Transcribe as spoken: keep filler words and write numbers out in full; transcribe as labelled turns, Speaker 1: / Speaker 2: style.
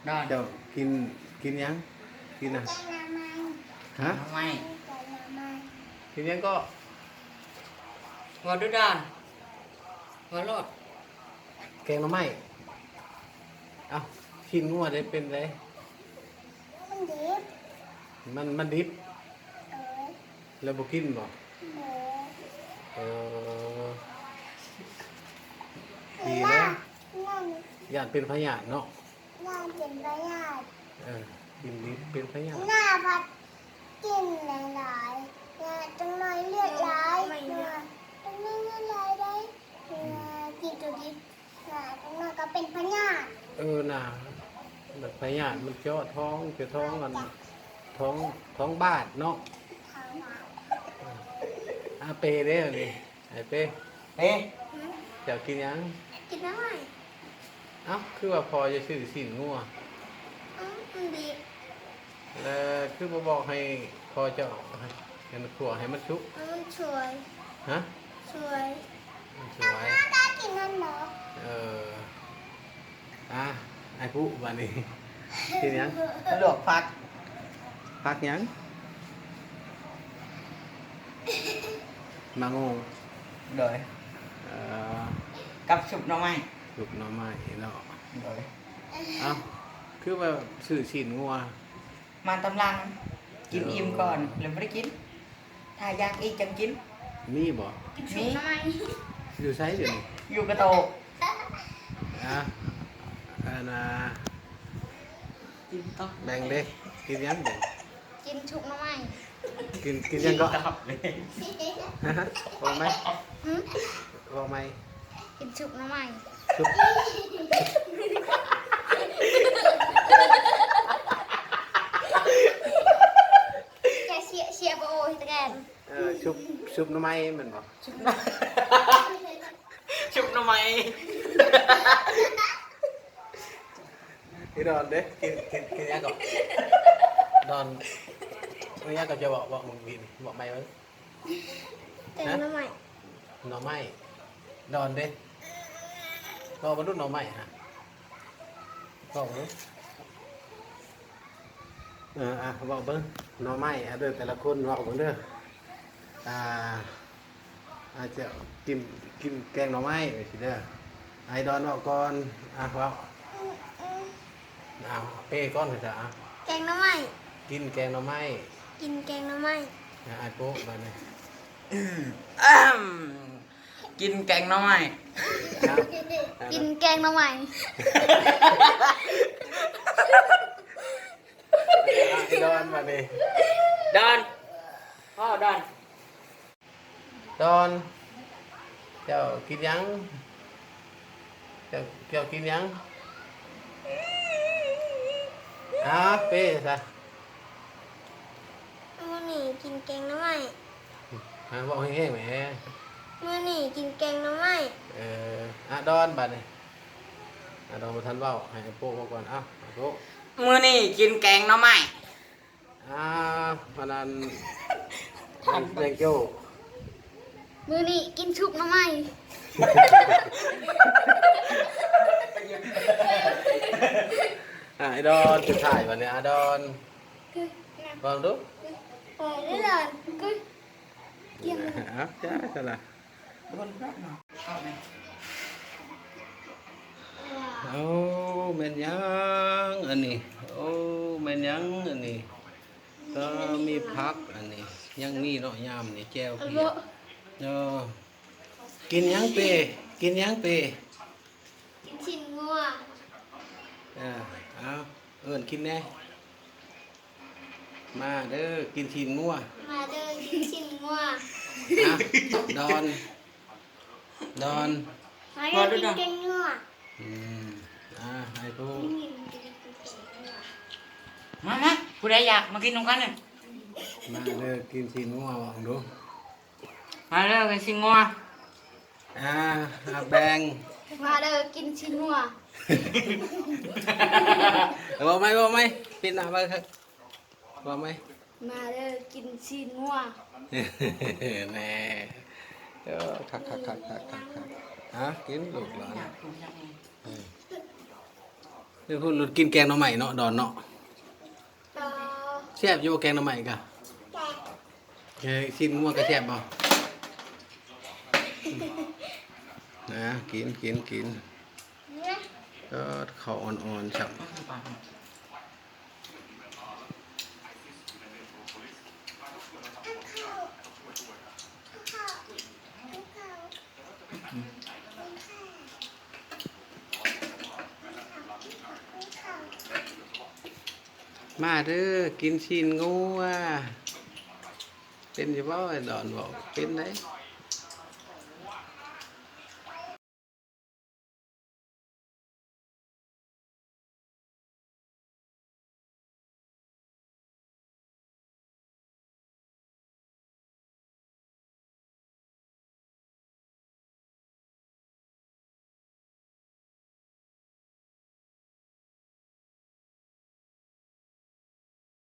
Speaker 1: ดอน
Speaker 2: เจ้ากินกินยังกินอ่ะฮะ
Speaker 1: ทำไม
Speaker 2: กินยังก็
Speaker 1: หัวดูดอนหัวโลด
Speaker 2: แกงหน่อไม้เอ้าชิ้นงัวได้เป็นไร
Speaker 3: มันดิบ
Speaker 2: มันมันดิบ
Speaker 3: เออ
Speaker 2: แล้วบ่กินบ่
Speaker 3: เออ
Speaker 2: เออดี
Speaker 3: ล่า
Speaker 2: นะ
Speaker 3: นั่น
Speaker 2: ญาติเป็นพยาธิเนาะ
Speaker 3: ล่าเป็นประหยัด
Speaker 2: เออกินดิบเป็นพยาธิ
Speaker 3: หน้าพัดกินหลายๆเนี่ยจังน้อยเลือดไหลเนี่ยจังน้อยเลือดไหลได้เนี่ยกินตัวดิบเนี่ยจังน้อยก็เป็นพยาธิ
Speaker 2: เออน่ะแบบพยาธิมันเจาะท้องเจาะท้องกันท้องท้องบาดเนาะ
Speaker 3: ทางหวาน
Speaker 2: อาเปเด้อนี่ไอ้เป้
Speaker 1: เอ๊ะ
Speaker 2: เจ้ากินยัง
Speaker 3: กินได้ไหม
Speaker 2: เอ้าคือว่าพอจะซื้อสินงัว
Speaker 3: อืมมันดิบ
Speaker 2: แล้วคือบ่บอกให้พอเจ้าให้มันขั่วให้มันชุก
Speaker 3: มันสวย
Speaker 2: ฮะ
Speaker 3: สวย
Speaker 2: มันสวย
Speaker 3: น่าได้กินนั่นเหรอ
Speaker 2: เอออ่ะไอ้ผู้วันนี้กินยัง
Speaker 1: ลวกผัก
Speaker 2: พักยังมางง
Speaker 1: โดย
Speaker 2: เอ่อ
Speaker 1: กับชุบหน่อไม้
Speaker 2: ลูกหน้องไม้เนาะ
Speaker 1: โดย
Speaker 2: เอ้าคือว่าซื้อสินงัว
Speaker 1: มาตำลังกินอิ่มก่อนแล้วไม่ได้กิน ถ้าอยากอีกจังกิน
Speaker 2: มีบ่
Speaker 3: กินชุบทำไม
Speaker 2: อยู่ไสเดี๋ยวนี้
Speaker 1: อยู่กระโตก
Speaker 2: อ่ะอันน่ะ
Speaker 1: กินต่อ
Speaker 2: แบ่งเด้กินยังแบ่ง
Speaker 3: กินชุบทำไม
Speaker 2: กินกินยังก็
Speaker 1: ตับเลย
Speaker 2: ฮะบอกไหม
Speaker 3: หืม
Speaker 2: บอกไหม
Speaker 3: กินชุบทำไม
Speaker 2: ชุบ
Speaker 3: แกเชียเชียโบโอฮิตแกน
Speaker 2: เอ่อชุบชุบหน้ำไม้เหมือนบอก
Speaker 1: ชุบหน่อชุบหน่อไม้
Speaker 2: พี่ดอนเด้กินกินกินยังก่อนดอนไม่ยังก็จะบอกบอกมึงกินบอกไม่ไว้
Speaker 3: แกงทำไม
Speaker 2: หน่อไม้ดอนเด้ก็บรรลุหน่อไม้ฮะก็บรรลุเอออ่ะบอกเบิ้งหน่อไม้อ่ะเด้อแต่ละคนบอกเบิ้งเด้ออ่าอาจจะกินกินแกงหน่อไม้ไปสิเด้อไอดอนบอกก่อนอ่ะบอกเอาเป้ก้อนเลยจ้ะอ่ะ
Speaker 3: แกงทำไม
Speaker 2: กินแกงหน่อไม้
Speaker 3: กินแกงทำไม
Speaker 2: อ่ะไอโป๊ะมาเลย
Speaker 1: อ้ำกินแกงหน่อไม้
Speaker 2: ครับ
Speaker 3: กินแกงทำไม
Speaker 2: ไอดอนมาเลย
Speaker 1: ดอนพ่อดอน
Speaker 2: ดอนเจ้ากินยังเจ้าเจ้ากินยังอ่ะเป้ซะ
Speaker 3: มื่อนี่กินแกงทำไม
Speaker 2: อ่ะบอกแห้งๆแหม
Speaker 3: มื่อนี่กินแกงทำไม
Speaker 2: เอออ่ะดอนบัดนี่อ่ะดอนมาทันเว้าให้ไอ้โป๊ะมาก่อนอ่ะไอ้โป๊ะ
Speaker 1: มื้อนี้กินแกงหน่อไม้
Speaker 2: อ่าพนันแดงโจ้
Speaker 3: มื่อนี่กินชุบทำไม
Speaker 2: อ่ะไอ้ดอนจะถ่ายวันนี้อ่ะดอนฟังดู
Speaker 3: เออได้เลยก็
Speaker 2: อ่ะจ้าสละ
Speaker 1: บนรถเนาะเอาไหม
Speaker 2: โอ้แม่นยังอันนี้โอ้แม่นยังอันนี้ก็มีพักอันนี้ยังมีเนาะยามนี่แก้วเพียเนาะกินยังเปกินยังเป
Speaker 3: กินชิ้นงัว
Speaker 2: อ่าเอาเอิ้นกินแน่มาเด้อกินชิ้นงัว
Speaker 3: มาเดินกินชิ้นงัว
Speaker 2: อ่ะดอนดอน
Speaker 3: มาเดินกินแกงงัว
Speaker 2: อืมอ่าให้ผู้
Speaker 1: มามาผู้ใดอยากมากินนมกันเนี่ย
Speaker 2: มาเด้อกินชิ้นงัวบอกดู
Speaker 1: มาเร็วกันสิงัว
Speaker 2: อ่าอ่ะแบ่ง
Speaker 3: มาเดินกินชิ้นงัว
Speaker 2: บอกไหมบอกไหมปิดหน้าไปครับบอกไหม
Speaker 3: มาเดินกินชิ้นงัว
Speaker 2: แน่เออคักคักคักคักคักคักฮะกินลูกหลาน
Speaker 1: อยากกินจังเลย
Speaker 2: อืมเดี๋ยวพูดหลุดกินแกงหน่อไม้เนาะดอนเนาะ
Speaker 3: ต่อ
Speaker 2: แซ่บอยู่บ่แกงหน่อไม้กะ
Speaker 3: แต่
Speaker 2: เฮ้ยชิ้นงัวก็แซ่บบ่นะกินกินกิน
Speaker 3: เนี่ย
Speaker 2: ก็ข้าวอ่อนๆครับ
Speaker 3: ข้าวข้าวข้าวข้าว
Speaker 2: มาเด้อกินชิ้นงัวเป็นอยู่บ่ไอ้ดอนบอกเป็นไหน